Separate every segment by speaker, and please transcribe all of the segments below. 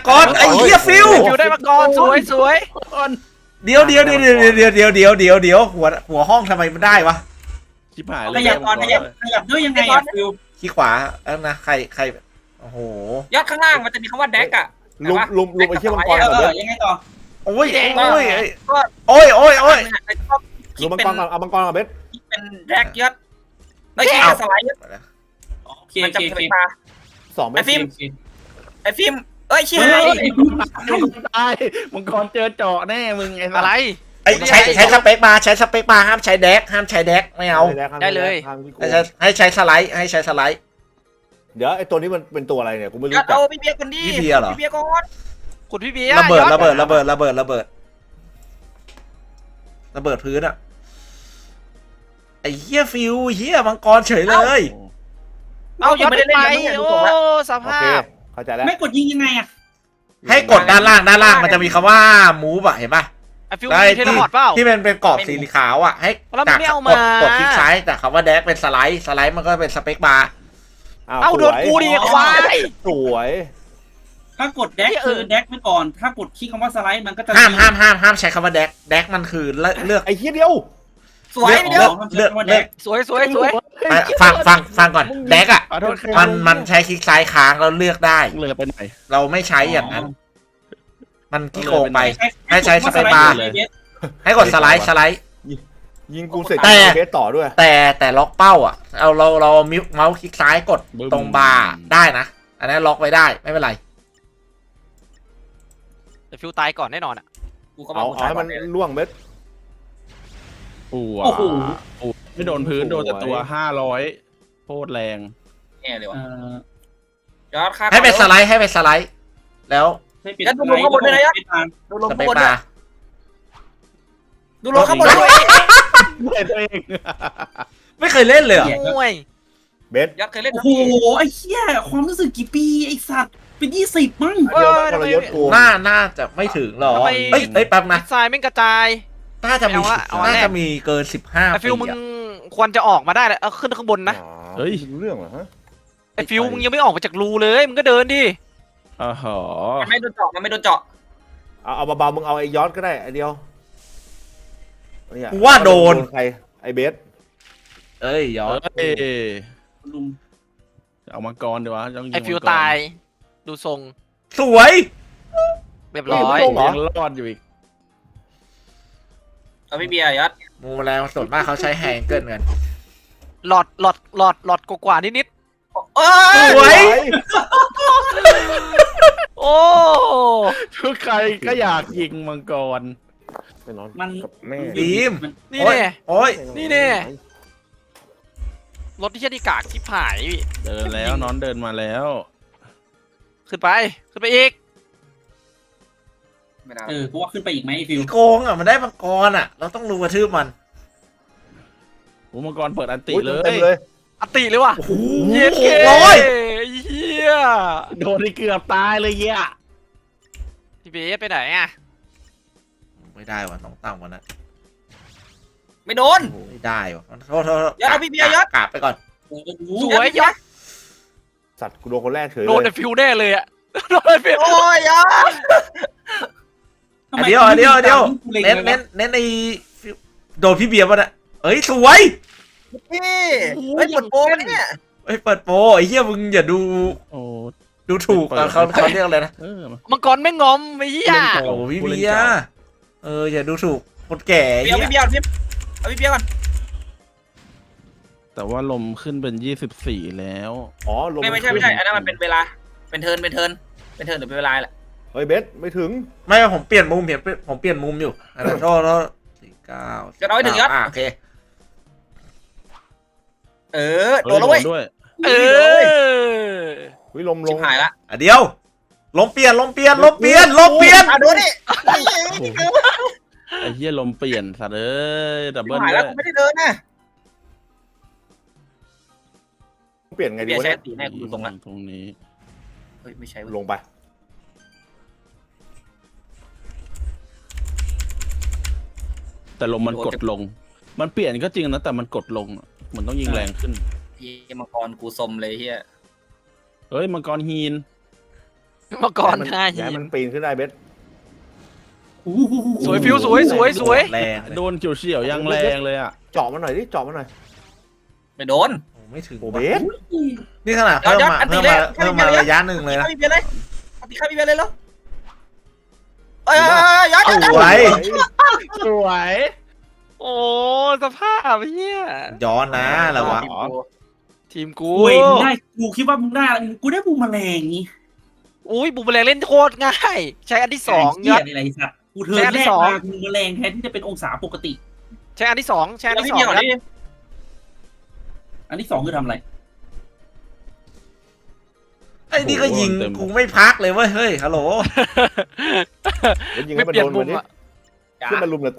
Speaker 1: กรไอ้เหี้ยฟิว
Speaker 2: ฟิวได้มังกรสวยสวย
Speaker 1: เดี๋ยวหัวห้องทำไมมันได้วะ
Speaker 3: ชิบหายเล
Speaker 4: ข
Speaker 3: ย
Speaker 4: ยับก่อนขยับด้วยยังไงอ่ะฟิว
Speaker 1: ขี้ขวานะใครโอ้โห
Speaker 5: ยอดข้างล่างมันจะมีคำว่าแดกอะ
Speaker 6: ลุมไอ้เชี่ยมังกรก่อนเบส
Speaker 4: ยังไงต่อ
Speaker 1: โอ้ยโอ้ย
Speaker 5: ก็
Speaker 1: โอ้ย
Speaker 5: คิ
Speaker 6: ลุ
Speaker 5: ด
Speaker 6: มมัง
Speaker 5: เป็น
Speaker 6: กรก่อนเอามังกรก่อนเบส
Speaker 5: คิดเป็นแดกยอดไม่คิดเป็นสไลด์
Speaker 4: โอเค
Speaker 5: มัน
Speaker 4: โอ
Speaker 5: จะ
Speaker 4: เค
Speaker 5: เป็นตา
Speaker 6: 2เบส
Speaker 5: ไอ้ฟิล์มเอ้ยชี้
Speaker 4: เฮ้
Speaker 5: ให้
Speaker 4: ย
Speaker 3: ตายมังกรเจอเจาะแน่มึงไอ้
Speaker 2: อะไร
Speaker 1: ไอ้ใช้สเปคมาห้ามใช้แดกไม่เอา
Speaker 2: ได้เลย
Speaker 1: ให้ใช้สไลด์
Speaker 6: เดี๋ยวไอ้ตัวนี้มันเป็นตัวอะไรเนี่ยกูไม่
Speaker 5: ย
Speaker 6: รู้
Speaker 5: อด
Speaker 6: จัก
Speaker 5: เอาพี่เบียร์คนดี
Speaker 1: พี่เบียร์เหรอ
Speaker 5: พี่เบียร์ก่อน
Speaker 2: ขุดพี่เบียร์
Speaker 1: ระเบิด
Speaker 2: ยอ
Speaker 1: ระเบิดพื้นอะไอ้เหี้ยฟิวเหี้ยมังกรเฉยเลย
Speaker 2: เอายอดไปโอ้ส
Speaker 6: โอ
Speaker 2: ภา
Speaker 6: เค
Speaker 2: พ
Speaker 6: เข้าใจแล้ว
Speaker 4: ไม่กดยิงยังไงอ่ะ
Speaker 1: ให้กดด้านล่างมันจะมีคำว่ามูฟอะเห็นป่ะ
Speaker 2: ไอฟิวมีเทเลพอร์ตเปล่า
Speaker 1: ที่มันเป็นกรอบสีขาวอะให้
Speaker 2: แล้วมันไม่เอามาก
Speaker 1: ดคลิกซ้ายแต่คำว่าแดกเป็นสไลด์มันก็เป็นสเปคบาร์
Speaker 2: เอาโดนกูดิควาย
Speaker 6: สวย
Speaker 4: ถ้ากดแดกคือแดกไว้ก่อนถ้ากดคลิกคำว่าสไลด์มันก็จะ
Speaker 1: ห้ามใช้คำว่าแดกมันคือเลือก
Speaker 6: ไอ้เหี้ยเดียว
Speaker 5: สวยพี่เดียว
Speaker 1: เลือก
Speaker 2: สวยสวยสวย
Speaker 1: ฟังก่อนแดกอะ
Speaker 3: ขอโทษ
Speaker 1: มันใช้คลิกซ้ายค้างแล้วเลือกได้
Speaker 3: เลยไปไหน
Speaker 1: เราไม่ใช้อย่างนั้น มันขี้โกงไป
Speaker 4: ให้ใช้สเปคบาร์
Speaker 1: ให้กดสไลด์
Speaker 6: ยิงกูเสร็จ
Speaker 1: แต่
Speaker 6: เบสต่อด้วย
Speaker 1: แต่ล็อกเป้าอ่ะเราเมาส์คลิกซ้ายกดตรงบาร์ได้นะ อันนั้นล็อกไว้ได้ไม่เป็นไร
Speaker 2: แต่ฟิวตายก่อนแน่นอนอ่ะ
Speaker 5: กูก็
Speaker 6: เอาให้มันล่วงเบส
Speaker 3: ปูไม่โดนพื้นโดนแต่ตัว500โคตรแรง
Speaker 5: แน่เลยว่ะ
Speaker 4: เอ่อย
Speaker 5: อดค่า
Speaker 1: ให้เป็นสไลด์แล้ว
Speaker 4: ให้ปิด
Speaker 5: ดูลงข้างบนด้วยนะยอดดูลง
Speaker 1: ส
Speaker 5: ข้าง
Speaker 1: เปค
Speaker 5: บนด้ว
Speaker 1: บาย ร์
Speaker 5: ดูลงข้างบนด้วย
Speaker 3: เล่นตัวเอง
Speaker 1: ไม่เคยเล่นเลยเหรอ
Speaker 2: โอ้ย
Speaker 6: เบส
Speaker 5: ยอดเคยเล่น
Speaker 4: โอ้โหไอ้เหี้ยความรู้สึกกี่ปีไอ้สัตว์เป็น20มั้ง
Speaker 6: เดียวมันทรยศกู
Speaker 1: น่าจะไม่ถึงหรอ
Speaker 2: ทำไม
Speaker 1: เอ้ยแป๊บนะ
Speaker 2: ทรายไม่กระจาย
Speaker 1: น่าจะมี
Speaker 2: เอาอันแรก
Speaker 1: น่าจะมีเกิน15
Speaker 2: ไอฟิวมึงควรจะออกมาได้แล้วเอาขึ้นข้างบนนะ
Speaker 6: เฮ้ยรู้เรื่องเหรอฮะ
Speaker 2: ไอฟิวมึงยังไม่ออกมาจากรูเลยมึงก็เดินดิ
Speaker 3: อ๋อหอ
Speaker 5: มันไม่โดนเจาะมันไม่โดนเจาะ
Speaker 6: เอาเบาๆมึงเอาไอ้ยอดก็ได้ไอ้เดียวเนี่ย
Speaker 1: ว่าโดน
Speaker 6: ใครไอ้เบส
Speaker 1: เอ้ยยอด
Speaker 3: เอ้ย
Speaker 4: ลุง
Speaker 3: เอามังกรดีวะต้องยิง
Speaker 2: ไอฟิวตาย ดูทรง
Speaker 1: สวย
Speaker 2: เรียบร้อย
Speaker 3: ยังรอดอยู่อีก
Speaker 5: เอาพี่เบียร์ยอด
Speaker 1: มูแรงส่วนมากเขาใช้แฮงเกิลกัน
Speaker 2: หลอดกว่านิด
Speaker 5: เอ้
Speaker 1: สวย
Speaker 2: ๆโอ้
Speaker 3: ทุกใครก็อยากยิงมังกร
Speaker 6: ไปนอน
Speaker 4: มัน
Speaker 6: กับแม่
Speaker 1: บีม
Speaker 2: นี่แน่
Speaker 1: โอ้ย
Speaker 2: นี่แน่ รถที่เช่ดีกากที่ผายพี่
Speaker 3: เดินแล้วนอนเดินมาแล้ว
Speaker 2: ขึ้นไปอีก
Speaker 5: ไม่ได้
Speaker 4: กูว่าขึ้นไปอีกไหมไอ้ฟิว
Speaker 1: โกงอ่ะมันได้มังกรอ่ะ เราต้องรู้กระทืบมัน
Speaker 3: โอ้มังกรเปิดอันติ
Speaker 6: อุ๊ย
Speaker 3: เล
Speaker 6: เต็
Speaker 3: ย
Speaker 6: มเลย
Speaker 2: อติเลยว่ะ
Speaker 1: โอ้โห
Speaker 2: เย็ดเก
Speaker 1: ร้อย
Speaker 2: เฮีย
Speaker 3: โดนที่เกือบตายเลยเหี้ย
Speaker 2: พี่เบสไปไหนอ่ะ
Speaker 1: ไม่ได้ว่ะต้องตั้งวันนั้น
Speaker 5: ไม่โดน
Speaker 1: ไม่ได้ว่ะโทษ
Speaker 5: ยอดเอาพี่เบียร์ยอด
Speaker 1: กราบไปก่อน
Speaker 2: สวยยอด
Speaker 6: สัตว์กูโดนคนแรกเฉย
Speaker 2: โดน
Speaker 6: เล
Speaker 2: แต่
Speaker 6: ย
Speaker 2: ฟิวแน่เลยอ่ะโดนแต่ฟิว
Speaker 5: โอ้ยยอด
Speaker 1: เดี๋ยวเน้นไอ้โดนพี่เบียร์ป่ะเนี่ยเอ้ยสวย
Speaker 5: พี่เฮ้ยปวดโป้ไหมเนี่ย
Speaker 1: เอ้ยเปิดโปรไอ้เหี้ยมึงอย่าดู
Speaker 3: โอ้
Speaker 1: ดูถูกเขาเรียกอะไรนะ
Speaker 3: เออ
Speaker 2: มังกรไม่งอมไอ้เหี้ย
Speaker 1: โอ้พี่เบียร์อย่าดูถูกคนแก่
Speaker 5: เบียร์พี่เบียร์เอาพี่เบียร์ก่อน
Speaker 3: แต่ว่าลมขึ้นเป็น24แล้ว
Speaker 6: อ๋อลง
Speaker 5: ไม่ใช่อันนั้นมันเป็นเวลาเป็นเทิร์นหรือเป็นเวลาแหละ
Speaker 6: เฮ้ยเบสไม่ถึง
Speaker 1: ไม่ผมเปลี่ยนมุมผมเปลี่ยนมุมอยู่อันนั้นโทษ49
Speaker 5: จะเอาให้ถึงยอด
Speaker 1: โอเค
Speaker 5: โดนแล้วเว้ย
Speaker 3: ด้วย
Speaker 2: เออ
Speaker 6: วิลมล
Speaker 5: ชิ
Speaker 6: ง
Speaker 5: บหายละ
Speaker 1: เดี๋ยวลมเปลี่ยน
Speaker 5: โดนดิ
Speaker 3: ไอ้เหี้ยลมเปลี่ยนสัตว์เอ้ยดับ
Speaker 5: ชิ
Speaker 3: เบิ้
Speaker 5: บ
Speaker 3: ล
Speaker 5: หาย
Speaker 3: ด้
Speaker 5: แล้ว
Speaker 3: วย
Speaker 5: กูไม่ได้เดินนะ
Speaker 6: เปลี่ยนไงดี
Speaker 5: เบียร์
Speaker 6: วะ
Speaker 5: ใช้
Speaker 6: เนี่ย
Speaker 5: ตีแน่กูดูตรงละ
Speaker 3: ตรงนี้
Speaker 5: เฮ้ยไม่ใช่
Speaker 6: ลงไป
Speaker 3: แต่ลมมันกดลง มันเปลี่ยนก็จริงนะแต่มันกดลงเหมือนต้องยิงแรงขึ้น
Speaker 5: เฮียมังกรกูสมเลยเฮีย
Speaker 3: เฮ้ยมังกรฮีน
Speaker 2: มาก่อน
Speaker 6: ย้าย
Speaker 2: หน้า
Speaker 6: ย้าย
Speaker 2: หิ
Speaker 6: มัน นปีนขึ้นได้เบส
Speaker 4: โอ้โห
Speaker 2: สวยฟิวสวยสวยสวย
Speaker 1: แรง
Speaker 3: โดนเฉียวๆยังแรงเลยอ่ะ
Speaker 6: เจาะมันหน่อยดิเจาะมันหน่อย
Speaker 5: ไปโดน
Speaker 1: โอ้ไม่ถึง
Speaker 6: โอ้เบส
Speaker 1: นี่ขนาดเพิ่มมาเพิ่มมาเพิ่มมาระยะหนึ่งเลยนะ
Speaker 5: ตีข้าพี่เบียร์เลยตีข้าพี่เบียร์เลยเหรอเอ้ยย้อน
Speaker 1: สวย
Speaker 3: สวย
Speaker 2: โอ้สภาพเฮีย
Speaker 1: ย้อนนะระวัง
Speaker 2: ทีมกู
Speaker 4: โอ้ยมึงได้กูคิดว่ามึงได้กูได้บูมแมลงนี่
Speaker 2: อุ้ยบุมแมลงเล่นโคตรง่าย ใช้อันที่สอง
Speaker 4: เหี้
Speaker 2: ย
Speaker 4: ย
Speaker 2: ศ
Speaker 4: อะไรสัตว์กูเทิร์นแรกมาบูมแมลงแทนที่จะเป็นองศาปกติ
Speaker 2: ใช้อันที่สองใช้อัน
Speaker 5: แล้ว
Speaker 2: ที่
Speaker 5: พี่
Speaker 2: สอ
Speaker 5: เบีย
Speaker 2: ง
Speaker 5: ร์ก่อน
Speaker 2: นะ
Speaker 5: ดิ
Speaker 4: อันที่สองคือทำอะไร
Speaker 1: ไอ้นี่ก็ยิงกูไม่พักเลยเว้ยเฮ้ยฮัลโหล
Speaker 6: เดี๋ยวยิง
Speaker 2: ไม่
Speaker 6: ให้มัน
Speaker 2: เปลี่ย
Speaker 6: โด
Speaker 2: น
Speaker 6: น
Speaker 2: มุ
Speaker 6: มัน
Speaker 2: ม
Speaker 6: ดิ
Speaker 2: อ่ะ
Speaker 6: ขึ้นมาลุมกับกู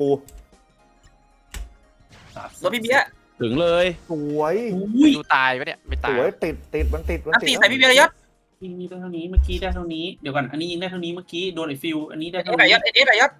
Speaker 5: แล้วพี่เบียร์
Speaker 3: ถึงเลย
Speaker 6: สวย
Speaker 4: อุ้ย
Speaker 2: ดูตายปะเนี่ยไม่
Speaker 6: ส
Speaker 2: ตาย
Speaker 6: วยติดมันติด
Speaker 5: อันตีใส่พี่เบียร์เลยยศ
Speaker 4: ยิงได้เท่านี้เมื่อกี้ได้เท่านี้เดี๋ยวก่อนอันนี้ยิงได้เท่านี้เมื่อกี้โดนไอ้ฟิวอันนี้ได้
Speaker 5: เอ็
Speaker 4: เท่า
Speaker 5: ดไหน
Speaker 4: นี้
Speaker 5: ยศเอ็ดไหนยศ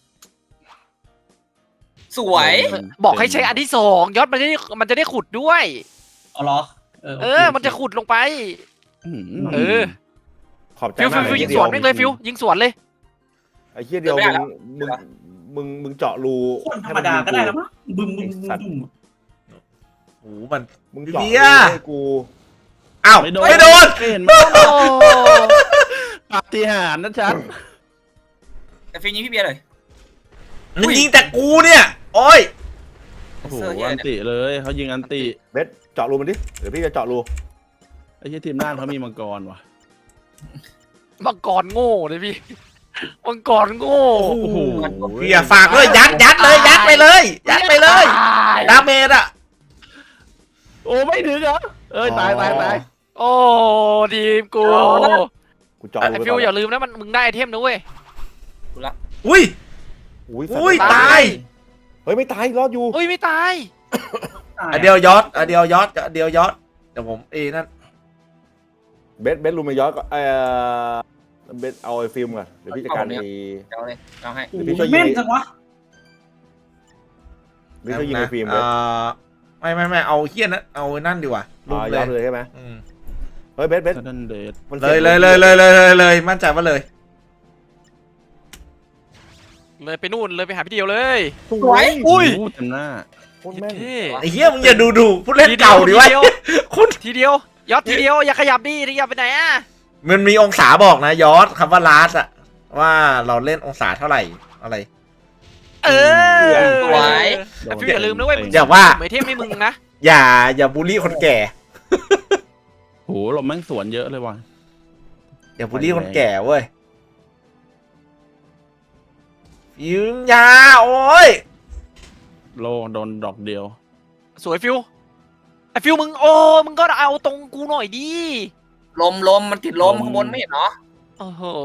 Speaker 5: สวย
Speaker 2: บอกให้ใช้อันที่สองยศมันจะได้ขุดด้วย
Speaker 4: อ๋อเหรอ
Speaker 2: มันจะขุดลงไป เออ
Speaker 6: ขอบใจ
Speaker 2: ฟิว
Speaker 6: มาก
Speaker 2: ฟิวยิงสวนแม่งเลยฟิวยิงสวนเลย
Speaker 6: ไอ้เหี้ยเดียวมึงเจาะรู
Speaker 4: คนธรรมดาก็ได้แล้วมั้งบึ้มบึ้มบึ้มบึ้ม
Speaker 1: โอ้โหมัน
Speaker 6: มึงเจาะ
Speaker 1: เบี
Speaker 6: รู
Speaker 1: ยร์
Speaker 6: ให้กู
Speaker 1: อ้าว
Speaker 3: ไม่โดน
Speaker 1: ไม่โดน
Speaker 3: เห็นไหมปาฏิหาริย์นะชัด
Speaker 5: แต่ฟิวยิงพี่เบียร์เลย
Speaker 1: มันยิงแต่กูเนี่ยโอ้ย
Speaker 3: โอ้โหอันติเลยเขายิงอันติ
Speaker 6: เบสเจาะรูมันดิเดี๋ยวพี่จะเจาะรู
Speaker 3: ไอ้ที่ทีมน่านเขามีมังกรว่ะ
Speaker 2: มังกรโง่เลยพี่มังกรโง่
Speaker 1: โอ้โหเบียร์ฝากด้วยยัดเลยยัดไปเลยยัดไปเลย
Speaker 2: ตาย
Speaker 1: ดาเมจอะ
Speaker 3: โอ้ไม่ถึงเหรอเอ้ยตาย
Speaker 2: โอ้ทีมกู
Speaker 6: กูเจาะ
Speaker 2: ไอ
Speaker 6: รู
Speaker 2: ฟิวอย่าลืมนะมึงได้ไอเทมนะเว้ย
Speaker 1: อุ้ย
Speaker 6: อุ้ย
Speaker 1: ตาย
Speaker 6: เฮ้ยไม่ตายรอดอยู่
Speaker 2: อุ้ยไม่ตาย
Speaker 1: อันเดียวยอดอันเดียวยอดอันเดียวยอดเดี๋ยวผมนั่น
Speaker 6: เบสรูมาย้อนก็เบสเอาไอ้ฟิล์มก่อนเดี๋ยวพี่จัดการไอ้
Speaker 5: เอาเลยเอาให้
Speaker 6: เดี๋ยวพี่ช่วยยิง
Speaker 4: แม่นจังวะ
Speaker 6: พี่ช่วยยิงไอ้ฟิล์มเลย
Speaker 1: ไม่เอาเฮี้ยนะเอานั่นดีกว่าลุม
Speaker 6: ย้อน
Speaker 1: เล
Speaker 6: เลย ยใช่ไหมเฮ้ยเบส
Speaker 3: ซัดเดนเดด
Speaker 6: มัน
Speaker 1: เลยมั่นใจว่าเลย
Speaker 2: เลยไปนู่นเลยไปหาพี่เดียวเลย
Speaker 6: สวย
Speaker 2: อุ้ย
Speaker 3: เต็มหน้า
Speaker 6: โคตรแม่น
Speaker 2: เท่
Speaker 1: ไอ้เฮี้ยมึงอย่าดูผู้เล่นเก่าดิวะคุณ
Speaker 2: ทีเดียวยอดทีเดียวอย่าขยับดิขยับไปไหนอ่ะ
Speaker 1: มันมีองศาบอกนะยอดคำว่าลาสอะว่าเราเล่นองศาเท่าไหร่อะไร
Speaker 2: เออ
Speaker 5: สวย
Speaker 2: แต่ฟิวอย่าลืมนะเว้ยมึง
Speaker 1: อย่าว่า
Speaker 2: ไม่เทมให้มึงนะ
Speaker 1: อย่าบูลลี่คนแก่
Speaker 3: โหเราแม่งสวนเยอะเลยว่ะ
Speaker 1: อย่าบูลลี่คนแก่เว้ยยืมยาโอ้ย
Speaker 3: โลโดนดอกเดียว
Speaker 2: สวยฟิวไอฟิวมึงมึงก็เอาตรงกูหน่อยดิ
Speaker 5: ลมมันติดลมข้างบนไม่เห็นเนาะ
Speaker 2: โอ้โห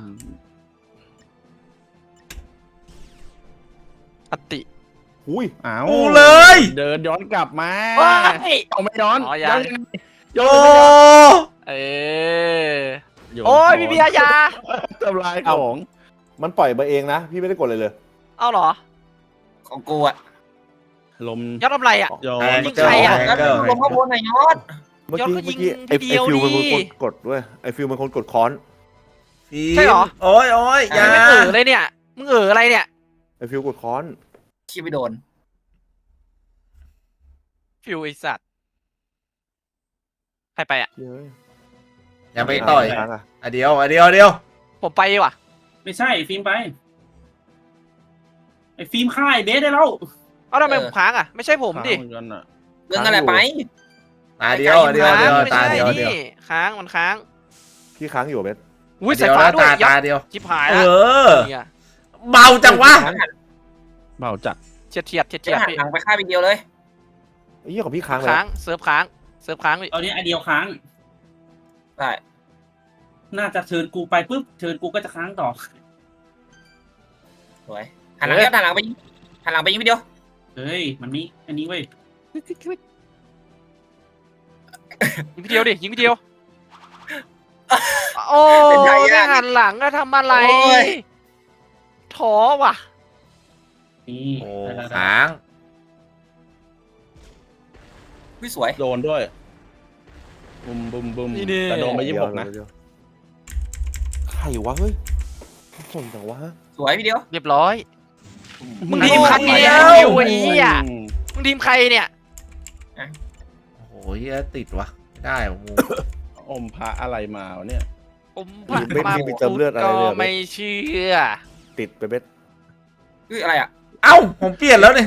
Speaker 2: อติ
Speaker 6: อุ้ย
Speaker 3: อ้าว
Speaker 1: กูเลย
Speaker 3: เดินย้อนกลับมา
Speaker 2: ว้าย
Speaker 3: เอาไม่ย้อน
Speaker 2: อ๋อยัง
Speaker 1: โอ้
Speaker 2: เออ
Speaker 3: โยน
Speaker 2: โอ้ยพี่เบียร์ยา
Speaker 3: ทำลายของ
Speaker 6: มันปล่อยมาเองนะพี่ไม่ได้กดเลย
Speaker 2: เอาเหรอ
Speaker 5: ของกูอะ
Speaker 3: ลม
Speaker 2: ยอดทำไรอ่ะ
Speaker 3: ย้อ
Speaker 1: แอน ง
Speaker 2: ยิง
Speaker 1: เกิ
Speaker 2: ใคร
Speaker 1: ล
Speaker 2: อะ
Speaker 1: แอง
Speaker 5: แล้ว
Speaker 1: เกิล
Speaker 5: ลมข้างบนหน่อยยอด
Speaker 6: เมื่อ
Speaker 2: ย้อนก็
Speaker 6: กี้
Speaker 2: ยิง
Speaker 6: ไอ้
Speaker 2: ทีเดียว
Speaker 6: ฟิวมัน
Speaker 2: ดิ
Speaker 6: คนกดด้วยไอ้ฟิวมันคนกดค้อน
Speaker 2: ใช่เหรอ
Speaker 1: โอ้ยยา
Speaker 2: ไม่เลยเนี่ยมึงอะไรเนี่ย
Speaker 6: ไอ้ฟิวกดค้อน
Speaker 5: ขี้ไปโดน
Speaker 2: ฟิวไอสัตว์ใครไปอ่ะ
Speaker 6: เย้ย
Speaker 1: อย่าไปต่อย
Speaker 6: ค้างอะ
Speaker 1: อ่ะเดียว
Speaker 2: ผมไปว่ะ
Speaker 4: ไม่ใช่ฟิล์มไปไอ้ฟิล์มฆ่าไอ้เบสได้แล้ว
Speaker 2: เอาทำไมผมค้างอ่ะไม่ใช่ผมดิ
Speaker 3: เหมือนกันอะ
Speaker 5: เรื่องอะไรไป
Speaker 1: ตาเดียว
Speaker 2: ไม่
Speaker 1: ตา
Speaker 2: ใช่
Speaker 1: เดียว
Speaker 2: นี่ค้างมันค้าง
Speaker 6: พี่ค้างอยู่เบส
Speaker 2: อุ้ยสายฟ้าด้วยยอ
Speaker 1: ตา
Speaker 2: ด
Speaker 1: เดียว
Speaker 2: ชิบหาย
Speaker 1: เอ
Speaker 2: ละ
Speaker 1: อ
Speaker 2: เนี่ย
Speaker 1: เบาจังวะ
Speaker 3: เบาจัด
Speaker 2: เฉียด
Speaker 5: จะหัน
Speaker 2: พี่
Speaker 5: หลังไปฆ่าพี่เดียวเลย
Speaker 6: ไอ้เหี้ยของพี่ค้างเลย
Speaker 2: ค้างเซิร์ฟค้างพี่
Speaker 4: เอาเนี้ยไอเดียวค้าง
Speaker 5: ได้
Speaker 4: น่าจะเชิญกูไปปุ๊บเชิญกูก็จะค้างต่อ
Speaker 5: สวยหันหลังหันหลังไปยิงพี่เดียว
Speaker 4: เฮ้ยมันมีอันนี้เว้ย
Speaker 2: ยิงพี่เดียวดิยิงพี่เดียวโอ้ไม่หันหลังแล้วทำอะไรท้อว่ะ
Speaker 4: นี่
Speaker 1: โอ้
Speaker 4: ได้
Speaker 1: ค้าง
Speaker 5: พี่สวย
Speaker 3: โดนด้วยบุมแต่โดนไป
Speaker 6: เดี๋ยว
Speaker 3: 26นะ
Speaker 6: เดี๋ยวรวะเฮ้ยสนจังวะ
Speaker 5: สวยพี่เดียว
Speaker 2: เรียบร้อย มึง
Speaker 5: โอ้
Speaker 2: ทีมใคร
Speaker 5: โห
Speaker 2: เนี่ยฟิวไอ้เหี้ยมึงทีมใครเนี่ย
Speaker 1: โอ้โหเหี้ยติดวะไม่ได้วะมู
Speaker 3: อมพระอะไรมาวะเนี่ย
Speaker 2: ผมผ่าน
Speaker 6: เบส
Speaker 2: มา
Speaker 6: มีเติมเลือดอะไร
Speaker 2: ก็
Speaker 6: เลย
Speaker 2: ไม่เชื่อ
Speaker 6: ติดไปเบส
Speaker 5: คืออะไรอ่ะ
Speaker 1: เอ้าผมเปลี่ยนแล้วเนี่ย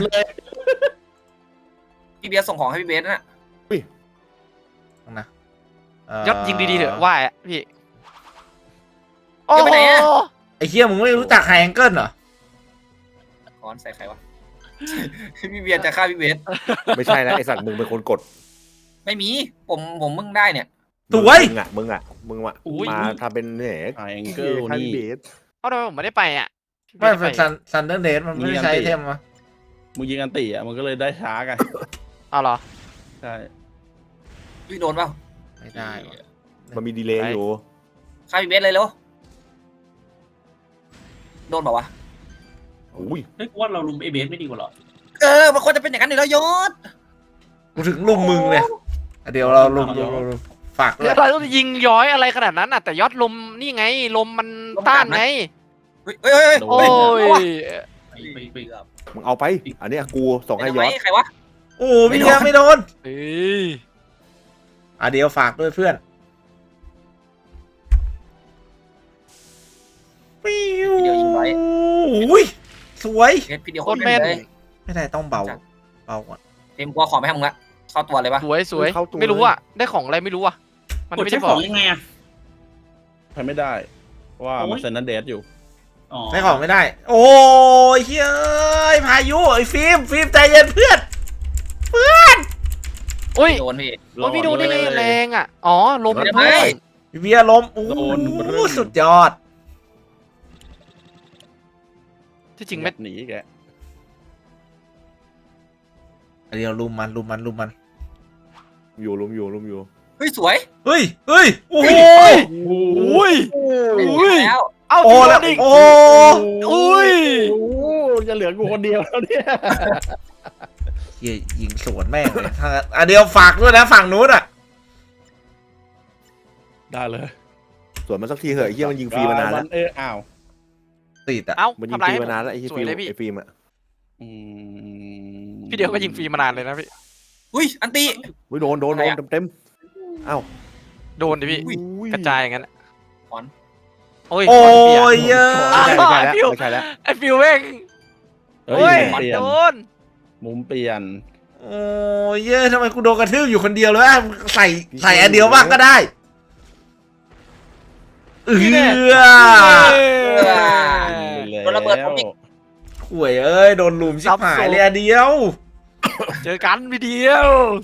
Speaker 5: พี่เบียร์ส่งของให้พี่เบสน่ะ
Speaker 1: นะ
Speaker 2: ยอดยิงดีๆเถอะว่าอ่ะพี่โอ้โห
Speaker 1: ไอ้เหี้ยมึงไม่รู้จักไฮแองเกิลเหรอ
Speaker 5: ค้อนใส่ใครวะ พี่เบียร์จะฆ่าพี่เบส
Speaker 6: ไม่ใช่นะไอสัตว์มึงเป็นคนกด
Speaker 5: ไม่มีผมมึงได้เนี่ย
Speaker 1: สวย
Speaker 6: มึงมาทำเป็นเนี่ย
Speaker 3: ไอแองเกิล
Speaker 6: ให้
Speaker 3: นี่
Speaker 6: เบส
Speaker 2: เอ้าทำไมผมไม่ได้ไปอ่ะ
Speaker 1: ไม่เป็นซันเดอร์เดมันไม่ได้ใช้ไอเทมวะ
Speaker 3: มึงยิงอันตีอ่ะมันก็เลยได้ช้ากัน
Speaker 2: เอาเหรอ
Speaker 3: ใช่
Speaker 5: พี่โดนเปล่า
Speaker 1: ไม่ได้วะ
Speaker 6: มันมีดีเลย์อยู่
Speaker 5: ฆ่าพี่เบสเลยเร็วโดนเปล่าวะ
Speaker 6: อุ้ย
Speaker 4: เฮ้ยกูว่าเราลุมไอเบสไม่ดีกว่าหรอ
Speaker 5: มันควรจะเป็นอย่างนั้นอยู่แล้วยศ
Speaker 1: กูถึงลุมมึงเลยเดี๋ยวเราลุมฝากด้ว
Speaker 2: เดี๋ย
Speaker 1: ยว
Speaker 2: เราต้องยิงย้อยอะไรขนาดนั้นอ่ะแต่ยอดลมนี่ไงลมมันต้านไง
Speaker 5: เฮ้ย
Speaker 2: โอ้ย
Speaker 4: ไป
Speaker 6: มึงเอาไป อันเนี้ยกูส่งให้ยอด
Speaker 5: ใครวะ
Speaker 1: โอ้พี่เดียวไม่โดน
Speaker 2: เอ้ย
Speaker 1: เดี๋ยวฝากด้วยเพื่อนปิ้ว
Speaker 5: พี่เดียวยิงไว้
Speaker 1: อุ้ยสวย
Speaker 5: พี่เดียวโคตรแม่นเลย
Speaker 1: ไม่ได้ต้องเบาก่อน
Speaker 5: เต็มกลัวของไม่ให้มึงละเข้าตัวเลยปะ
Speaker 2: สวยสวยไม่รู้อ่ะได้ของอะไรไม่รู้อ่ะมัน
Speaker 4: กด
Speaker 2: ไม่
Speaker 4: ใช้
Speaker 2: ได้
Speaker 4: ข
Speaker 2: บอ
Speaker 4: อก งยังไงอะ
Speaker 3: ใช้ไม่ได้เพราะว่ามันเซนนันเดสอยู่
Speaker 4: อ๋อ
Speaker 1: ใช้ของไม่ได้ โอ้ยเฮ้ยพายุไอ้ฟิล์มใจเย็นเพื่อน
Speaker 2: อุ้ย
Speaker 5: โดนพี่
Speaker 2: โอ้ยพี่ดูได้ไงแรงอ่ะอ๋อลมมัน
Speaker 5: ไม่
Speaker 2: เพิ่ม
Speaker 1: พี่เบียร์ล้มโอ้
Speaker 3: โดน
Speaker 1: โหสุดยอด
Speaker 2: ที่จริงไม่
Speaker 3: หนีแก
Speaker 1: เดี๋ยวลุมมัน
Speaker 6: อยู่ลุมอยู่
Speaker 5: เฮ้ยสวย
Speaker 1: เฮ้ยโอ้โห
Speaker 2: อุ้ย อุ้ย
Speaker 5: แล้ว
Speaker 2: เอ้า
Speaker 1: โอ้
Speaker 2: พี่โด
Speaker 1: แล้ว
Speaker 2: นอีก
Speaker 1: โอ้
Speaker 2: อุ้ย
Speaker 3: โอ้จะเหลือกูคนเดียวแล้วเนี่ย
Speaker 1: เหี้ยยิงสวนแม่งเลยถ้าเดี๋ยวฝากด้วยนะฝั่งนู้นอ่ะ
Speaker 3: ได้เลย
Speaker 6: ส่วนมันสักทีเหอะไอ้เหี้ยมันยิงฟรีมานานแล้ว
Speaker 3: อ้าว
Speaker 1: ติดอ่ะ
Speaker 2: เอ้า
Speaker 6: มันยิง
Speaker 2: ทำไร
Speaker 6: ฟรี
Speaker 2: ให้
Speaker 6: มานานแล้วไอ้
Speaker 2: สวยเลยพี่
Speaker 6: ฟิล์มอะ
Speaker 3: อืม
Speaker 2: พี่เดียวก็ยิงฟรีมานานเลยนะพี่
Speaker 5: อุ้ยอันตี
Speaker 6: โดนเต็มอ้าว
Speaker 2: โดนดิพี่กระจายอย่างนั้นโอ้ย
Speaker 1: โอ้
Speaker 2: ขเปลี่น
Speaker 1: ยเยอะ
Speaker 6: ไม่ใช่แล้ว
Speaker 2: ไอ้ฟิวแม่ง
Speaker 3: เฮ้
Speaker 2: โอ้ย
Speaker 3: ยเปลี่ยน
Speaker 2: โดน
Speaker 3: มุมเปลี่ยน
Speaker 1: โอ้ยเยอะทำไมกูโดนกระทืบอยู่คนเดียวเลยอ่ะใส่อันเดียวบ้างก็ได้
Speaker 5: โดนระเบิดผมอีก
Speaker 1: ข่วยเอ้ยโดนลุมชิบหายเลยอันเดียว
Speaker 2: เจอกันพี่เดีย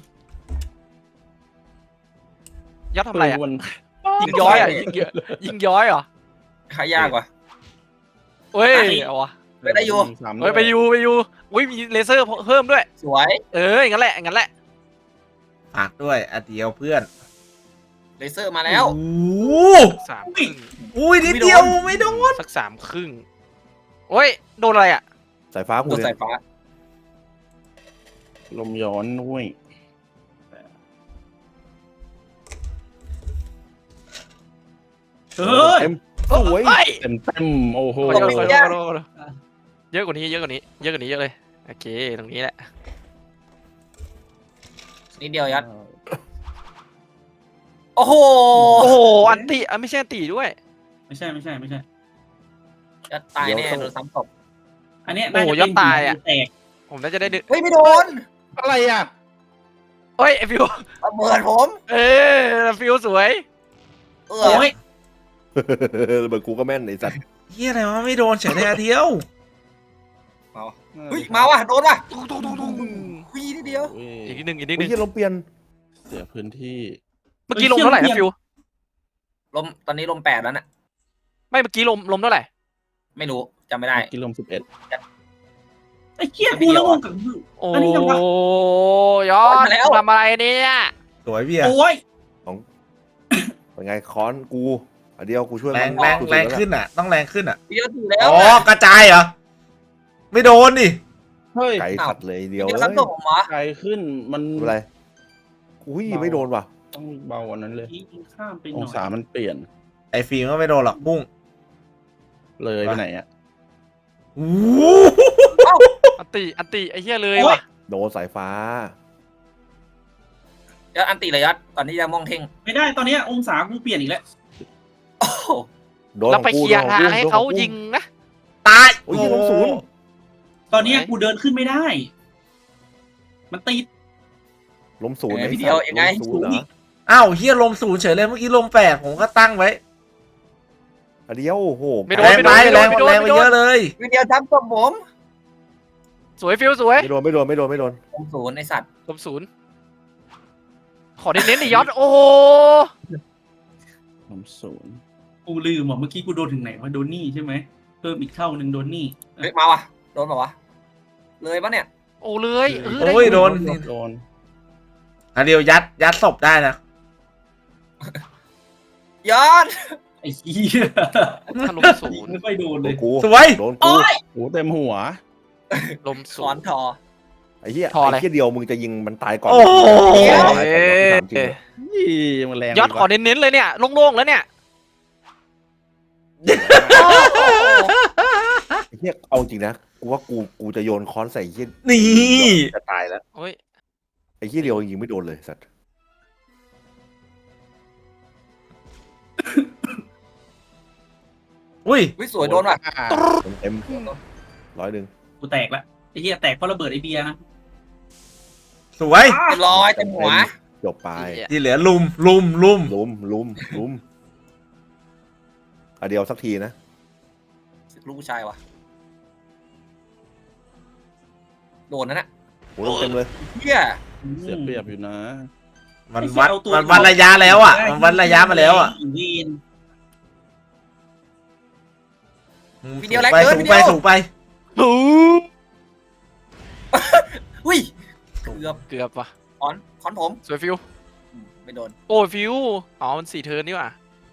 Speaker 2: วยอดทำอะไรอ่ะ
Speaker 3: มัน
Speaker 2: ยิงย้อยอ่ะยิงย้อยเหรอ
Speaker 5: ขายยากว่ะ
Speaker 2: เฮ้ยเอาวะ
Speaker 5: ไปได้อยู่
Speaker 2: เฮ้ยไปอยู่อุ้ยมีเลเซอร์เพิ่มด้วย
Speaker 5: สวย
Speaker 2: งั้นแหละงั้นแหละ
Speaker 1: ฝากด้วยอันเดียวเพื่อน
Speaker 5: เลเซอร์มาแล้ว
Speaker 1: โอ้
Speaker 2: 3 ครึ่ง
Speaker 1: อุ้ยนิดเดียวไม่โดน
Speaker 2: สัก 3 ครึ่งโอ้ยโดนอะไรอ่ะ
Speaker 6: สายฟ้ากู
Speaker 5: ตัว
Speaker 6: เนี่
Speaker 5: สาย ยฟ้า
Speaker 3: ลมย้อนด้วย
Speaker 4: เฮ้ย
Speaker 6: เต็มสวย
Speaker 2: เฮ้ย
Speaker 3: เต็มโอ้โห
Speaker 2: เยอะกว่านี้เยอะเยอะเลยโอเคตรงนี้แหละ
Speaker 5: นิดเดียวยัดโอ้โห
Speaker 2: โอ้โหอันติไม่ใช่อันติด้วย
Speaker 4: ไม่ใช่
Speaker 5: ยัดตายแน่โดนซ้ำศพ
Speaker 4: อันเนี้ย
Speaker 2: โอ้โหยอดตายอะ
Speaker 4: แตก
Speaker 2: ผมน่าจะได้ดึก
Speaker 5: เฮ้ยไม่โดน
Speaker 3: อะไรอ่ะ
Speaker 2: เฮ้ยไอฟิว
Speaker 5: ระเบิดผม
Speaker 2: ฟิวสวย
Speaker 4: โอ้ย
Speaker 6: เบอร์กูก็แม่นไอ้สัตว์
Speaker 1: เฮียอะไรวะไม่โดนเฉยเลยอันเดียว
Speaker 5: เฮ้ยมาว่ะโดนว่ะ
Speaker 2: ตุ้ง
Speaker 5: คุยนิดเดียว
Speaker 2: อีกนิดนึง
Speaker 6: เฮ้ยเหี้ยลมเปลี่ยน
Speaker 3: เสียพื้นที่
Speaker 2: เมื่อกี้ลมเท่าไหร่นะฟิว
Speaker 5: ลมตอนนี้ลม8แล้วน่ะ
Speaker 2: ไม่เมื่อกี้ลมเท่าไหร่
Speaker 5: ไม่รู้จำไม่ได้
Speaker 3: กิโล11
Speaker 4: ไอ้เกี้ยกูแล้วงงกับ
Speaker 2: โอ้
Speaker 4: อันนี้ยังวะ
Speaker 2: ยอดทำอะไรเนี่ย
Speaker 1: สวยพี่อะ
Speaker 4: โอ้ย
Speaker 6: เป็นไงค้อนกูอันเดียวกูช่วย
Speaker 1: แรง
Speaker 6: มัน
Speaker 1: แรงขึ้นอ่ะต้องแรงขึ้นอ่ะ
Speaker 5: พี่ก็ถูกแล้ว
Speaker 1: อ๋อกระจายเหรอไม่โดนดิ
Speaker 3: เฮ้ย
Speaker 6: ไก่สัตว์เลยเดียว
Speaker 5: พี่
Speaker 6: เล
Speaker 5: ก็
Speaker 6: ย
Speaker 5: ซ้ำศพผมเหรอ
Speaker 3: ไกลขึ้นมัน
Speaker 6: อะไรอุ้ยไม่โดนว่ะ
Speaker 3: ต้องเบากว่านั้นเลย
Speaker 4: ยิงข้ามไปห
Speaker 3: อ
Speaker 4: น่
Speaker 3: ง
Speaker 4: อย
Speaker 3: ศามันเปลี่ยน
Speaker 1: ไอ้ฟิล์มก็ไม่โดนหรอกบุ้ง
Speaker 3: เลยไปไหนอ่ะ
Speaker 1: โอ้
Speaker 2: อันติไอ้เหี้ยเลยว่ะ
Speaker 6: โดนสายฟ้า
Speaker 5: ยอดอันติเลยยอดตอนนี้จะมองเท่ง
Speaker 4: ไม่ได้ตอนเนี้ยองศากูเปลี่ยนอีกแล้ว
Speaker 5: โอ้โห
Speaker 6: โดน
Speaker 2: เราไป
Speaker 6: ของกู
Speaker 2: เคลียร์
Speaker 6: โดน
Speaker 2: ทาง
Speaker 6: ของกู
Speaker 2: ให้เขา
Speaker 6: โดนของกู
Speaker 2: ยิงนะ
Speaker 1: ตาย
Speaker 6: โอ้ยลงศูนย์
Speaker 4: ตอนเนี้ยกูเดินขึ้นไม่ได้ มันติด
Speaker 6: ล้มศูนย์
Speaker 5: พี่เดียวยังไง
Speaker 6: ล้มศูนย์เหรอ
Speaker 1: อ้าวเฮียลมศูนย์เฉยเลยเมื่อกี้ลมแปดผมก็ตั้งไว้
Speaker 6: อันเดียวโอ้โห
Speaker 2: ไม่โด
Speaker 1: แร
Speaker 2: น
Speaker 1: ง
Speaker 2: ไม่
Speaker 1: ไป
Speaker 2: โดน
Speaker 1: แรง
Speaker 2: ไม่โดน
Speaker 1: แรงไป
Speaker 2: ไม่โด
Speaker 1: เย
Speaker 2: น
Speaker 1: อะเลย
Speaker 5: พี่เดียวทำกับผม
Speaker 2: สวยฟิวสวย
Speaker 6: ไม่โดนไม่โดนไม่โดนไม่โดน
Speaker 5: ผมศูนย์ไอสัตว์
Speaker 2: ลมศูนย์ขอเน้นๆดิยอดโอ้โห
Speaker 3: ล้มศูนย์
Speaker 4: กูลืมอ่ะเมื่อกี้กูโดนถึงไหนวะโดนนี่ใช่ไหมเพิ่มอีกเท่าหนึ่งโดนนี่
Speaker 5: เฮ้ยมาว่ะโดนป่าวะเลยปะเนี่ย
Speaker 2: โอ้เลยได้
Speaker 1: โอ้ยโดน
Speaker 3: โดน
Speaker 1: อันเดียวยัดศพได้นะ
Speaker 5: ยอด
Speaker 4: ไอ้เหี้ย
Speaker 2: ถ้าลมศูนย์
Speaker 4: ไม่ค่อยโดน
Speaker 6: โด
Speaker 4: เล
Speaker 6: น
Speaker 4: ย
Speaker 6: กู
Speaker 1: สวย
Speaker 6: โดนกู
Speaker 5: โอ้ย
Speaker 3: โอ้เต็มหัว
Speaker 2: ลม
Speaker 5: ส
Speaker 2: ศู
Speaker 5: อน น
Speaker 2: ย์
Speaker 5: ทอ
Speaker 6: ไอ้เหี้ย
Speaker 2: พออะไร
Speaker 6: ไอ้เหี้ยเดียวมึงจะยิงมันตายก่อน
Speaker 1: โอ้โห
Speaker 6: ตายก่อนถามจริง
Speaker 3: ยี่มันแรง
Speaker 2: ยอด
Speaker 3: ไป
Speaker 2: ขอ
Speaker 3: วะ
Speaker 2: เน้นๆเลยเนี่ยโล่งๆแล้วเนี่ย
Speaker 6: ไอ้เหี้ยเอาจริงนะกูว่ากูจะโยนค้อนใส่ไอ้เหี้ย
Speaker 1: นี่
Speaker 6: จะตายแล้ว
Speaker 2: โอ้ย
Speaker 6: ไอ้เหี้ยเดียวยิงไม่โดนเลยสัตว์
Speaker 1: อุ้ย
Speaker 5: วิสวยโดนว่ะ
Speaker 6: เต็มๆ100
Speaker 4: กูแตกละไอ้เหี้ยแตกเพราะระเบิดไอเบียร์นะ
Speaker 1: สวย
Speaker 5: เรียบร้อยเต็มหัว
Speaker 6: จบไป
Speaker 1: ที่เหลือลุม
Speaker 6: ลุมอันเดียวสักทีนะ
Speaker 5: ลูกผู้ชายว่ะโดนนั่นน่ะ
Speaker 6: โหเต็มเลย
Speaker 5: เฮีย
Speaker 3: เสียเปรียบอยู่นะ
Speaker 1: มันวัดระยะแล้วอ่ะมันวัดระยะมาแล้วอ่ะ
Speaker 4: วีน
Speaker 1: สูงไปสูงไป
Speaker 2: หู
Speaker 5: อุ้ยเกือบ
Speaker 2: เกือบว่ะ
Speaker 5: คอนผม
Speaker 2: สวยฟิว
Speaker 5: ไม่โดน
Speaker 2: โอ้ยฟิวอ๋อมัน4 เทิร์นนี่ว่ะ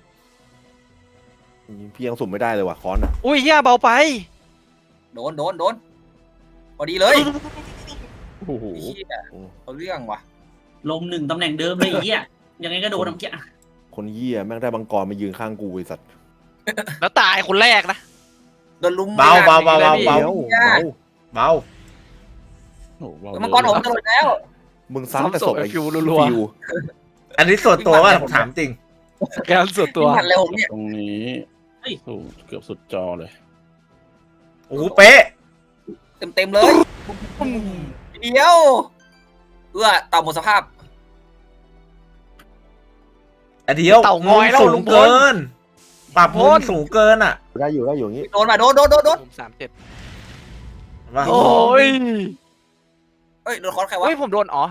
Speaker 6: พี่ยังสุ่มไม่ได้เลยว่ะค้อนอ่ะ
Speaker 2: อุ้ยเหี้ยเบาไป
Speaker 5: โดนพอดีเลย
Speaker 3: โอ้โห
Speaker 5: เฮียเอาเรื่องว่ะ
Speaker 4: ลม1ตำแหน่งเดิมเลยไอ้เหี้ยยังไงก็โดนเมื่อกี้
Speaker 6: คนเหี้ยแม่งได้บังกรมายืนข้างกูไอ้สัตว์
Speaker 2: แล้วตายคนแรกนะ
Speaker 5: โดนลุม
Speaker 1: เบา
Speaker 5: เบา
Speaker 1: เบา
Speaker 6: เบา
Speaker 1: เบา
Speaker 3: โอ้โห
Speaker 5: มังกรผมจะหลุดแล้ว
Speaker 6: มึงซ้ำแต่ศพไอ้
Speaker 2: ฟิวรัว
Speaker 6: ฟิว
Speaker 1: อันนี้ส่วนตัวว่าผมถามจริง
Speaker 2: ๆการส่วนตัว
Speaker 5: หันเร็วผมเนี่ย
Speaker 3: ตรงนี้โอ้เกือบสุดจอเลย
Speaker 1: โอ้โหเป๊ะ
Speaker 5: เต็มเลยเดียวเต่าหมดสภาพ
Speaker 1: อันเดียว
Speaker 2: เต่างอยแล้ว
Speaker 1: สู
Speaker 2: ลุ
Speaker 1: ง
Speaker 2: งพล
Speaker 1: เกิน ปรับมุมสูงเกินอ่ะ
Speaker 6: ได้อยู่อย่างงี้
Speaker 5: โดนมาโดน
Speaker 2: มุม37
Speaker 1: ว่า
Speaker 2: โอ้ย
Speaker 5: เอ้ยโดนคอนใครวะ
Speaker 2: เฮ้ยผมโดนอ๋อ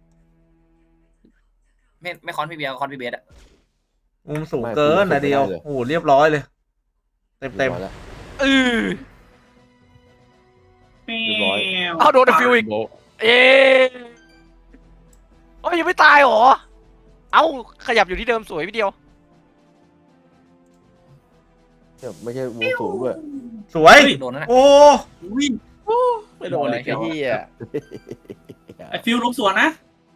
Speaker 5: ไม่คอนพี่เบียร์คอนพี่เบียร์อะ
Speaker 1: มุมสูงเกินอันเดียวโอ้โหเรียบร้อยเลย เต็ม
Speaker 6: แล้ว
Speaker 2: เออ
Speaker 4: แม
Speaker 6: เรียบร้อย
Speaker 4: ว
Speaker 2: เอาโดนฟิวอีก
Speaker 3: โบะ
Speaker 2: เอ๊ะโอ้ยยังไม่ตายเหรอ เอ้าขยับอยู่ที่เดิมสวยพี่เดียว
Speaker 6: เนี่ยไม่ใช่วงสูงด้วย
Speaker 1: สวย
Speaker 5: โดนนั่นแหละ
Speaker 1: โอ้
Speaker 5: วิ่ง
Speaker 3: ไม่โดนเลยไอ้เหี้ย
Speaker 4: ไอฟิวลงสวนนะ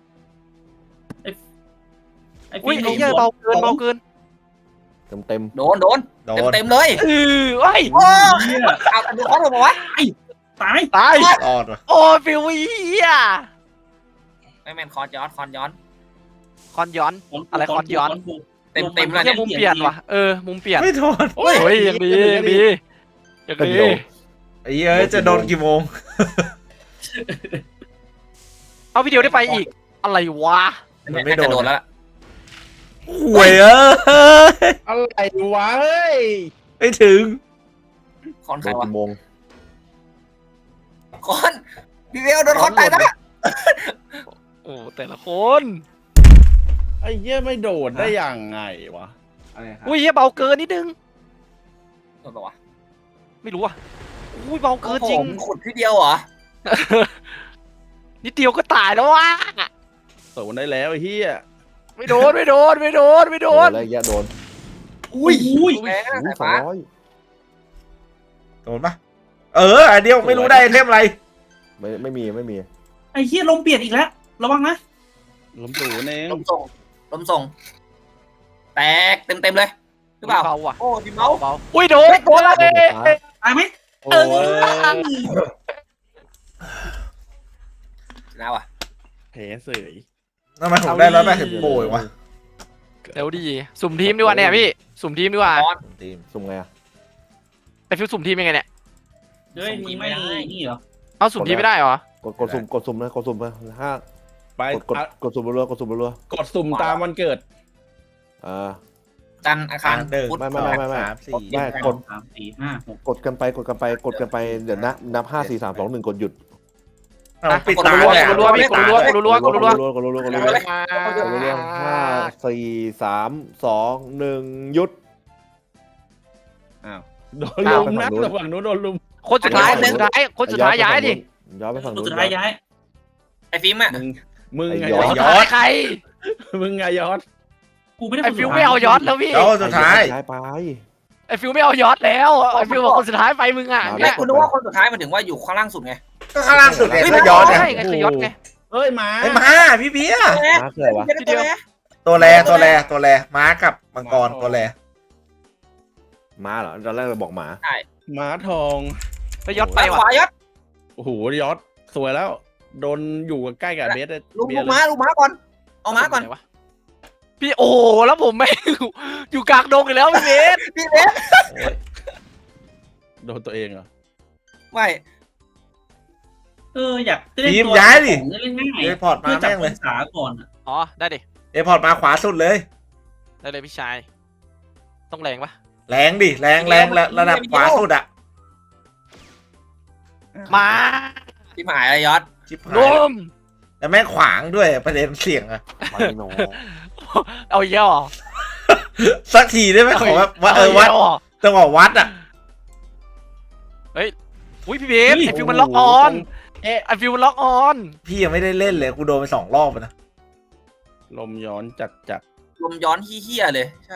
Speaker 4: ไอ
Speaker 2: อุ้
Speaker 4: ฟิ
Speaker 2: ยว
Speaker 4: ล
Speaker 2: ไอ้
Speaker 4: ง
Speaker 2: เหี้ย
Speaker 4: สวน
Speaker 2: เบาเกินเบาเกิน
Speaker 6: เต็ม
Speaker 5: โดน
Speaker 1: โดน
Speaker 5: เต็มเลย
Speaker 2: เออเฮ้ย
Speaker 5: โอ้
Speaker 4: เหี้ย
Speaker 5: เอาดูคอนผมวะ
Speaker 4: ตาย
Speaker 2: ตาย
Speaker 1: รอดว่ะ
Speaker 2: โอ้ยฟิวเหี้ย
Speaker 5: ไม่แม่นคอนย้อน
Speaker 2: คอนย้อน อะไรคอนย้อน
Speaker 5: เต็มเลย
Speaker 2: เหี้ยมุมเปลี่ยนว่ะเออมุมเปลี่ยน
Speaker 1: ไม่โดน
Speaker 2: โอ้ยยังดียังดียัง
Speaker 6: เป็น
Speaker 2: ดี
Speaker 6: เดียว
Speaker 1: ไอ้เหี้ยจะโดนกี่โมง
Speaker 2: เอาพี่เดียวได้ไปอีก อะไรวะ
Speaker 1: มันไม่โดน
Speaker 5: โดนแล้ว
Speaker 1: ห่วยเอ้ย
Speaker 3: อะไรวะเฮ้ย
Speaker 1: ไม่ถึง
Speaker 5: คอน
Speaker 6: โด
Speaker 5: ใคร
Speaker 6: น
Speaker 5: วะ
Speaker 6: กี่โมง
Speaker 5: คอนพี่เบียร์โดนคอนตายนะ
Speaker 2: โอ้แต่ละคน
Speaker 3: ไอ้เหี้ยไม่โดดได้ยังไงวะ
Speaker 2: อุ้ยเหี้ยเบาเกินนิดนึง
Speaker 5: โดนปะวะ
Speaker 2: ไม่รู้อ่ะอุ้ยเบาเกินจริง
Speaker 5: ผมขุดพี่เดียวเหรอ
Speaker 2: นิดเดียวก็ตายแล้ววะ
Speaker 3: โดดได้แล้วไอ้เหี้ย
Speaker 2: ไม่โดนไม่โดนไม่โดนไม่โดน
Speaker 6: แล้วแยะโดน
Speaker 5: อุ้ย
Speaker 4: อุ้ย
Speaker 5: แม่สาย
Speaker 6: สอ
Speaker 5: ฟ้าง
Speaker 6: ร้อย
Speaker 1: โดนปะอันเดียวไม่รู้ได้ไอเทมอะไร
Speaker 6: ไม่มี
Speaker 4: ไอเหี้ยลมเปลี่ยนอีกแล้วระวังนะ
Speaker 3: ล้มศูนย์เอง
Speaker 5: ลมส่งแตกเต็มเลยหรือเปล่า
Speaker 2: เบาว่ะ
Speaker 5: โอ้ดิเมาส์
Speaker 2: เบาอุ้ยโดน
Speaker 5: โดนแล้ว
Speaker 4: ตายไหม
Speaker 3: โอ้
Speaker 4: เออ
Speaker 3: ย
Speaker 5: นะวะ
Speaker 3: แพ้เสย
Speaker 1: ทำไมผมได้180โปรยวะ
Speaker 2: เดี๋ยวดีสุ่มทีมดีกว่าเนี่ยพี่สุ่มทีมดีกว่า
Speaker 1: ทีม
Speaker 6: สุ่มไงอ่ะ
Speaker 2: ไอฟิวสุ่มทีมยังไงเนี่ย
Speaker 4: เฮ้ยมีไม่นี่เหรอ
Speaker 2: เอาสุ่มทีมไม่ได้เหรอ
Speaker 6: กดสุ่มนะกดสุ่มนะห้า
Speaker 3: ไป
Speaker 6: กดสุ่มรัวๆกดสุ่มรัว
Speaker 3: กดสุ่มตามวันเกิด
Speaker 6: ๆอ่า
Speaker 5: จันทร์อังคาร
Speaker 1: 1
Speaker 5: พุธ
Speaker 6: ไม่
Speaker 1: 2 3 4
Speaker 6: ได้กด
Speaker 4: 3 4 5 6
Speaker 6: กดกันไปเดี๋ยวนับ5 4 3 2 1กดหยุด
Speaker 1: เอาปิด
Speaker 2: กด
Speaker 1: ตา
Speaker 2: รัว
Speaker 1: เลย
Speaker 2: กดรัวพี่กดรัวกดรัวกดรัว
Speaker 6: กดรัว5 4 3 2 1หยุด
Speaker 3: อ้าวโดนลุมนะระหว่างนู้นโดนลุม
Speaker 2: คนสุดท้ายคนสุดท้ายย้ายดิ
Speaker 6: ย้อนไปฝั่งนู้น
Speaker 4: สุดท้ายย้าย
Speaker 5: ไอ้ฟิล์มอ่ะ
Speaker 3: มึงไง
Speaker 6: ไอ้
Speaker 3: ยอด
Speaker 2: ใคร
Speaker 3: มึงไงยอด
Speaker 4: กูไม่ได้
Speaker 2: ไอฟิวไม่เอายอดแล้วพี่
Speaker 1: แล้วสุดท้าย
Speaker 6: ย้ายไป
Speaker 2: ไอฟิวไม่เอายอดแล้วไอฟิวบอกคนสุดท้ายไปมึงอ่ะ
Speaker 6: ไม่
Speaker 5: ไม่คุณนึกว่าคนสุดท้ายมันถึงว่าอยู่ข้างล่างสุดไง
Speaker 1: ก็ข้างล่างสุดเนี่ยก็ย้อนเนี่ย
Speaker 2: ใช่ไงคือยอดไง
Speaker 3: เอ้ยมา
Speaker 1: ไอ้ม้าพี่เบียร์
Speaker 6: มาเกิดวะ
Speaker 5: จะได้ตัวไหน
Speaker 1: ตัวแรม้ากับมังกรตัวแร
Speaker 6: ม้าเหรอตอนแรกเราบอกหมา
Speaker 3: ม้าทอง
Speaker 2: ไปยอดไป
Speaker 5: ไปข
Speaker 2: ว่ะ
Speaker 5: วายศ
Speaker 3: โอ้โหยอดสวยแล้ว โดนอยู่ใกล้กับเบสเลย
Speaker 5: ลูก
Speaker 3: เบียร์
Speaker 5: ม้าลูกม้าก่อนเอาม้าก่อน
Speaker 2: พี่โอ้แล้วผมไม่อยู่กลางดงอีกแล้วพี่เบส
Speaker 5: พี่เบส
Speaker 3: โดนตัวเองเหรอ
Speaker 5: ไม่
Speaker 4: อยากเล่น
Speaker 1: ทีม
Speaker 4: ตัว
Speaker 1: ย้ายดิ
Speaker 4: เล่นง่าย
Speaker 1: เอพอร์ตมา
Speaker 4: เพื่อจับ
Speaker 1: แม่ง
Speaker 4: อ
Speaker 1: เลย
Speaker 4: งศาก่อน
Speaker 2: อ๋อได้ดิ
Speaker 1: เอพอร์ตมาขวาสุดเลย
Speaker 2: ได้เลยพี่ชายต้องแรงปะ
Speaker 1: แรงดิแรงระดับขวาสุดอะ
Speaker 2: มา
Speaker 5: ที่หมายอะไรยศ
Speaker 1: ชิบหา
Speaker 2: ล
Speaker 1: ย
Speaker 2: ม
Speaker 1: แล้วแม่งขวางด้วยประเด็นเสี่ยงอะ
Speaker 6: ไปหนอ
Speaker 2: เอาเยอะ
Speaker 1: สักทีได้ไหมขอแบบว่าวัดจังหวะวัดอะ
Speaker 2: อุ้ยพี่เบสไอฟิวมันล็อกออนไอฟิวมันล็อกออน
Speaker 1: พี่ยังไม่ได้เล่นเลยกูโดนไป2 รอบนะ
Speaker 3: ลมย้อนจัด
Speaker 5: ลมย้อนเฮี้ยๆเลยใช่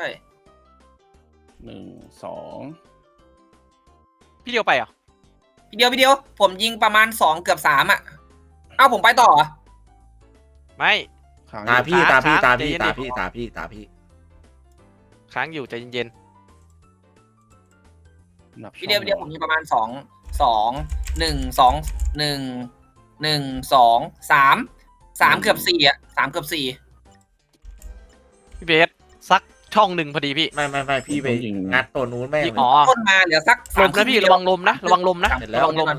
Speaker 3: 1 2
Speaker 2: พี่เดียวไปเหรอ
Speaker 5: พี่เดียวผมยิงประมาณ2เกือบ3อ่ะเอ้าผมไปต่อ
Speaker 2: ไม่
Speaker 3: ค้าง
Speaker 1: ตาพี่
Speaker 2: ค้าง
Speaker 1: ตาพี่
Speaker 2: ค้าง
Speaker 1: ตาพี่
Speaker 2: ใจเย็น
Speaker 1: ตา
Speaker 2: ดิ
Speaker 1: พี่ตาพี่ตาพี่
Speaker 2: ค้างอยู่ใจเย็น
Speaker 3: นับ
Speaker 5: พี่เดียวผมยิงประมาณ2 3เกือบ4อ่ะ3เกือบ4
Speaker 2: ๆพี่เบสสักช่องหนึ่งพอดีพี่
Speaker 1: ไม่พี่ไปงัดตัวนู้นแม่ง
Speaker 2: พี่
Speaker 1: เลย
Speaker 2: อ๋อ
Speaker 5: ต้นมาเหลือสัก
Speaker 2: ลมนะพี่ระวังลมนะระวังลมนะ
Speaker 1: เสร็จแล้ว
Speaker 2: ระวังลม
Speaker 1: อะไร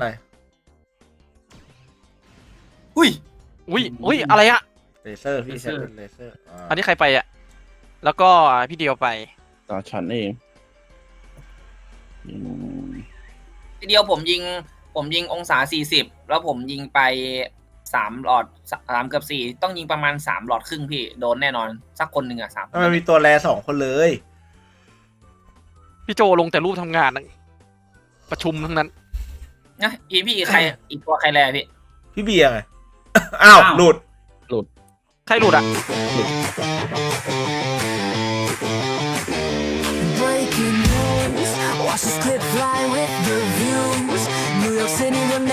Speaker 5: อุ้ย
Speaker 2: อุ้ยอะไรอะ
Speaker 1: เลเซอร์พี่ใช้เป็นเลเซอร์
Speaker 2: อันนี้ใครไปอะแล้วก็พี่เดียวไป
Speaker 3: ตาฉันเองอืม
Speaker 5: พี่เดียวผมยิงองศา40แล้วผมยิงไป3หลอด3เกือบ4ต้องยิงประมาณ3หลอดครึ่งพี่โดนแน่นอนสักคนหนึ่งอ่ะ3
Speaker 1: มันมีตัวแร2 คนเลย
Speaker 2: พี่โจลงแต่รูปทำงานนะประชุมทั้งนั้น
Speaker 5: นะพี่ใครอีกตัวใครแลพี่
Speaker 1: พี่เบียร์ไง อ้าวหลุด
Speaker 2: ใครหลุดอะ
Speaker 7: Breaking news, watch this clip fly with the views. New York City, the